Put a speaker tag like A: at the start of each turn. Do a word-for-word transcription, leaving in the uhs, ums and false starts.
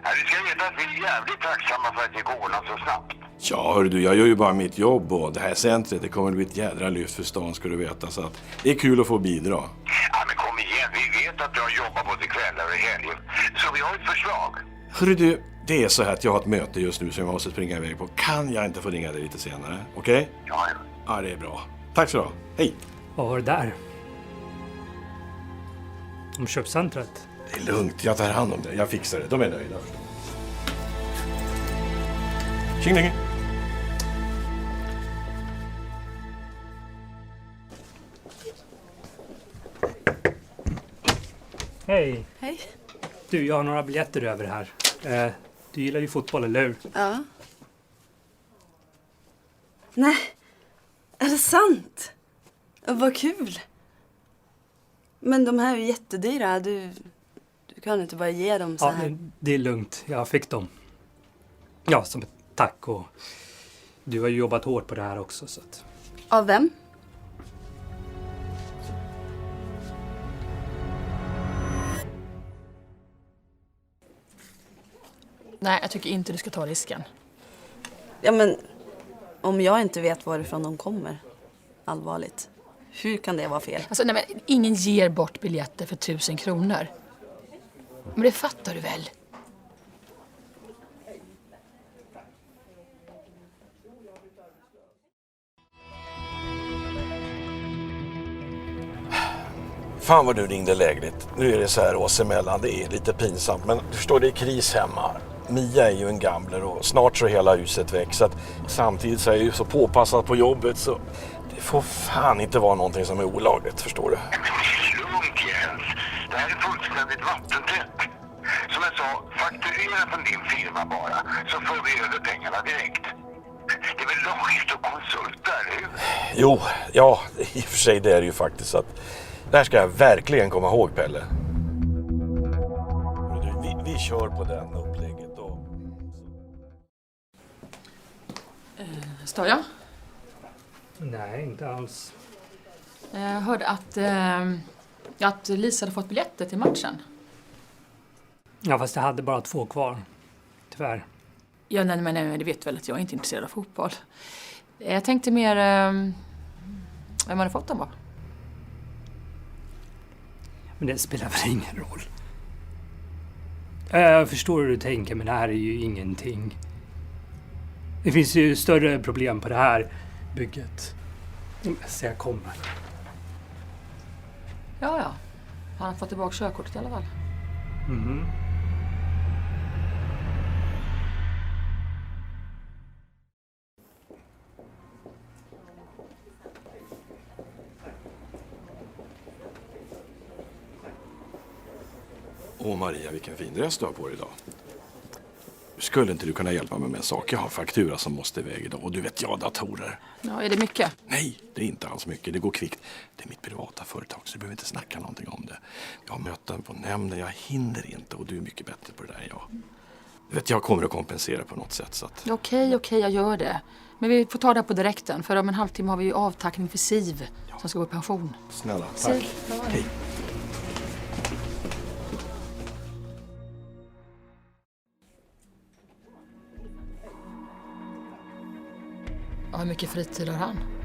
A: Ja, du ska veta att vi är jävligt tacksamma för att det går ordnat så snabbt.
B: Ja, hör du, jag gör ju bara mitt jobb och det här centret, det kommer att bli ett jädra lyft för stan, ska du veta. Så att det är kul att få bidra.
A: Ja, men kom igen. Vi vet att du har jobbat både kvällar och helger. Så vi har ett förslag.
B: Hörru du, det är så här att jag har ett möte just nu som jag måste springa iväg på. Kan jag inte få ringa dig lite senare? Okej? Okay?
A: Ja, ja.
B: Ja, det är bra. Tack så du ha. Hej!
C: Vad var det där? Om köpcentret?
B: Det är lugnt, jag tar hand om det. Jag fixar det. De är nöjda. Tjing länge!
C: Hej!
D: Hej.
C: Du, jag har några biljetter över här. Eh, du gillar ju fotboll, eller hur?
D: Ja. Nej, är det sant? Vad kul. Men de här är ju jättedyra. Du, du kan inte bara ge dem så
C: Ja,
D: här.
C: men det är lugnt. Jag fick dem. Ja, som ett tack. Och du har ju jobbat hårt på det här också. Så att...
D: Av vem?
E: Nej, jag tycker inte du ska ta risken.
D: Ja, men om jag inte vet varifrån de kommer. Allvarligt. Hur kan det vara fel?
E: Alltså, nej, men ingen ger bort biljetter för tusen kronor. Men det fattar du väl?
B: Fan vad du ringde lägligt. Nu är det så här oss emellan, det är lite pinsamt. Men du förstår, det är kris hemma. Mia är ju en gambler och snart så hela huset väck. Så att samtidigt så är jag ju så påpassad på jobbet så det får fan inte vara någonting som är olagligt, förstår du?
A: Lugnt, Jens. Det här är fullständigt vattentätt. Som jag sa, fakturera från din firma bara. Så får vi över pengarna direkt. Det är väl lagligt och konsulter, hur?
B: Jo, ja, i och för sig det är det ju faktiskt så att det här ska jag verkligen komma ihåg, Pelle. Vi, vi kör på den upplägget då.
E: Stör jag?
C: Nej, inte alls.
E: Jag hörde att, eh, att Lisa hade fått biljetter till matchen.
C: Ja, fast jag hade bara två kvar. Tyvärr.
E: Ja, nej, men nej, det vet väl att jag är inte intresserad av fotboll. Jag tänkte mer... Eh, vem hade fått dem va?
C: Men det spelar väl ingen roll. Jag förstår hur du tänker, men det här är ju ingenting. Det finns ju större problem på det här bygget. Så jag kommer.
E: Ja, ja. Han har fått tillbaka körkortet i alla fall.
C: Mhm.
B: Åh Maria, vilken fin dress du har på dig idag. Skulle inte du kunna hjälpa mig med en sak? Jag har faktura som måste iväg idag och du vet jag datorer.
E: Ja, är det mycket?
B: Nej, det är inte alls mycket. Det går kvickt. Det är mitt privata företag så du behöver inte snacka någonting om det. Jag har möten på nämnden, jag hinner inte och du är mycket bättre på det där än jag. Du vet, jag kommer att kompensera på något sätt. Så att...
E: Okej, okej, jag gör det. Men vi får ta det här på direkten. För om en halvtimme har vi ju avtackning för Siv ja. som ska gå i pension.
B: Snälla, tack.
E: Siv,
B: hej.
E: Ja, hur mycket fritid har han?